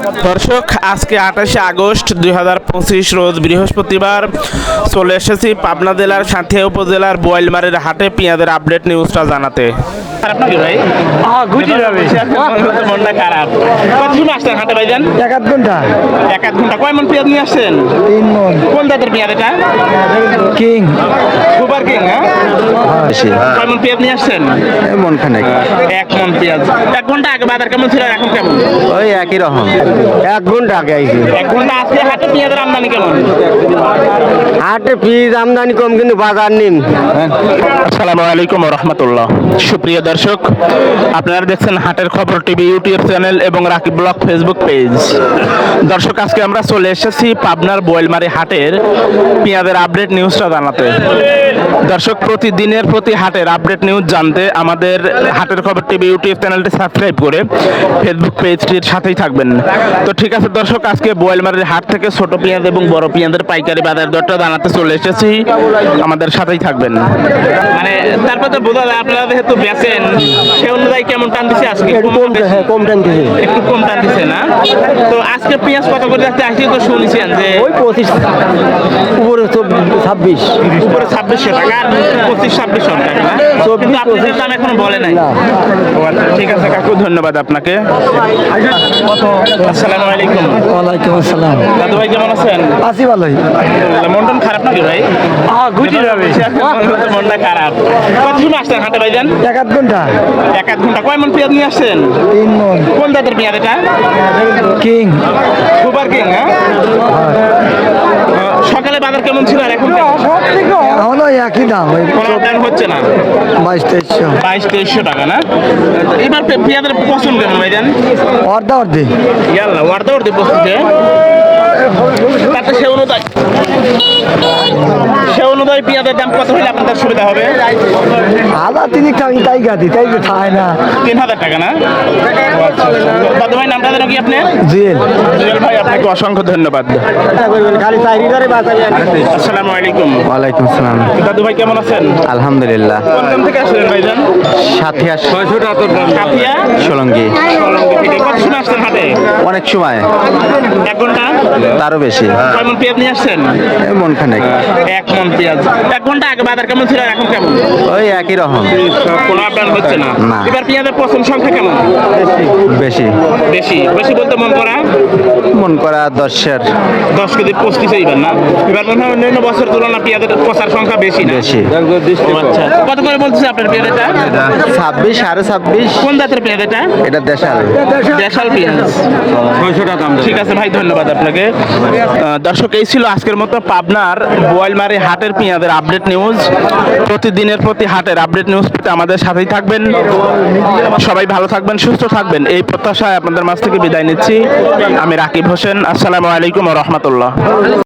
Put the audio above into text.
দর্শক, আজকে 28শে আগস্ট 2025 রোজ বৃহস্পতিবার চলে এসেছি পাবনা জেলার সাঁথিয়া উপজেলার বোয়ালমারীর হাটে পেঁয়াজের আপডেট নিউজটা জানাতে। খারাপ নাকি ভাই? মনটা খারাপ। কতক্ষণ আসছেন হাটে ভাইজান? এক আধ ঘন্টা। এক আধ ঘন্টা। কয় মন পেঁয়াজ নিয়ে আসছেন? 3 মন। কোন জাতের পেঁয়াজ এটা? কিং। Super king. হ্যাঁ, কয় মন পেঁয়াজ নিয়ে আসছেন? মন খানেক। 1 মন পেঁয়াজ। 1 ঘন্টা আগে বাজার কেমন ছিল, এখন কেমন? ওই একই রকম। 1 ঘন্টা আগে আইছি। 1 ঘন্টা। আজকে হাটে পেঁয়াজের আমদানি কেমন? হাটে পিস আমদানি কম কিন্তু বাজার নিম। আসসালামু আলাইকুম ওয়া রাহমাতুল্লাহ। সুপ্রিয় দর্শক, আপনারা দেখছেন হাটের খবর টিভি ইউটিউব চ্যানেল এবং রাকিব ব্লগ ফেসবুক পেজ। দর্শক, আজকে আমরা চলে এসেছি পাবনার বোয়ালমারী হাটের পেঁয়াজের আপডেট নিউজটা জানাতে। দর্শক, প্রতিদিনের প্রতি হাটের আপডেট নিউজ জানতে আমাদের হাটের খবর টিভি ইউটিউব চ্যানেলটি সাবস্ক্রাইব করে ফেসবুক পেজটির সাথেই থাকবেন। তো ঠিক আছে দর্শক, আজকে বোয়ালমারীর হাট থেকে ছোট পেঁয়াজ এবং বড় পেঁয়াজের পাইকারি বাজার দরটা জানাতে চলে এসেছি, আমাদের সাথেই থাকবেন। মানে তারপর তো বোঝা যায় আপনারা যেহেতু বেচেন সে অনুযায়ী কেমন টান দিচ্ছে আজকে? কম টান দিছে। একটু কম টান দিচ্ছে না? তো আজকে পেঁয়াজ কত করে যাচ্ছে আসছি তো শুনছেন যে ওই 25 উপরে 26 উপরে 2600 টাকা আর 25-2600 টাকা না? কিন্তু আপনাদের দাম এখনো বলে নাই। ও আচ্ছা, ঠিক আছে কাকু, ধন্যবাদ আপনাকে। আসসালামু আলাইকুম। ওয়ালাইকুম আসসালাম। দাদু ভাই কেমন আছেন? আছি ভালোই। মন টন খারাপ নাকি ভাই? গুটি যাবে। মনটা খারাপ। কতক্ষণ আসছেন হাটে ভাইজান? এক আধ ঘন্টা। 1 আধ ঘন্টা। কয় মন পেঁয়াজ নিয়ে আসছেন? 3 মন। কোন জাতের পেঁয়াজ এটা? কিং। Super king. হ্যাঁ, সকালে বাজার কেমন ছিল আর এখন কেমন? এখনো একই দাম। ওই কোনো দাম হচ্ছে না। 22-2300। 2200-2300 টাকা না? এবার পেঁয়াজের পছন্দ কেমন ভাইজান? অর্ধা অর্ধে। ইয়াল্লা ওয়ার্দা ওর দিয়ে পছন্দ। তাতে সে অনুযায়ী পেঁয়াজের দাম কত হলে আপনাদের সুবিধা হবে? আদা তিনি তাই গাদি তাই খায় না। 3000 টাকা না? দাদু ভাই, নামটা যেন কি আপনি? জুয়েল। জুয়েল ভাই, আপনাকে অসংখ্য ধন্যবাদ। খালি চাইরি করে বাজারে। আসসালামু আলাইকুম। ওয়ালাইকুম আসসালাম। দাদু ভাই কেমন আছেন? আলহামদুলিল্লাহ। কোন গ্রাম থেকে আসলেন ভাইজান? সাথিয়া কাপিয়া সোলঙ্গি। কত সময় আসছেন হাটে? অনেক সময় 1 ঘন্টা। তারও বেশি। কয় মন পেঁয়াজ নিয়ে আসছেন? মন খানেক। 1 মন পেঁয়াজ। 1 ঘন্টা আগে বাজার কেমন ছিল আর এখন কেমন? ওই একই রকম। কোনো আপডাউন হচ্ছে না? না। এবার পেঁয়াজের পছন্দ সংখ্যা কেমন? বেশি। বেশি। বেশি বলতে মন করা মন করা 10-এর 10 কেজি 25 এইবার না? এবার মনে হয় অন্যান্য বছর তুলনা পেঁয়াজের পচার সংখ্যা বেশি না? বেশি। ও আচ্ছা, কত করে বলতেছে আপনার পেঁয়াজ এটা? 26 সাড়ে 26। কোন জাতের পেঁয়াজ এটা? এটা দেশাল। দেশাল পেঁয়াজ। 600 টাকা দাম। ঠিক আছে ভাই, ধন্যবাদ আপনাকে। দর্শক, এই ছিল আজকের মতো পাবনার বোয়ালমারী হাটের পেঁয়াজের আপডেট নিউজ। প্রতিদিনের প্রতি হাটের আপডেট নিউজ পেতে আমাদের সাথেই থাকবেন। সবাই ভালো থাকবেন, সুস্থ থাকবেন, এই প্রত্যাশায় আপনাদের মাঝ থেকে বিদায় নিচ্ছি। আমি রাকিব হোসেন। আসসালামু আলাইকুম ওয়া রাহমাতুল্লাহ।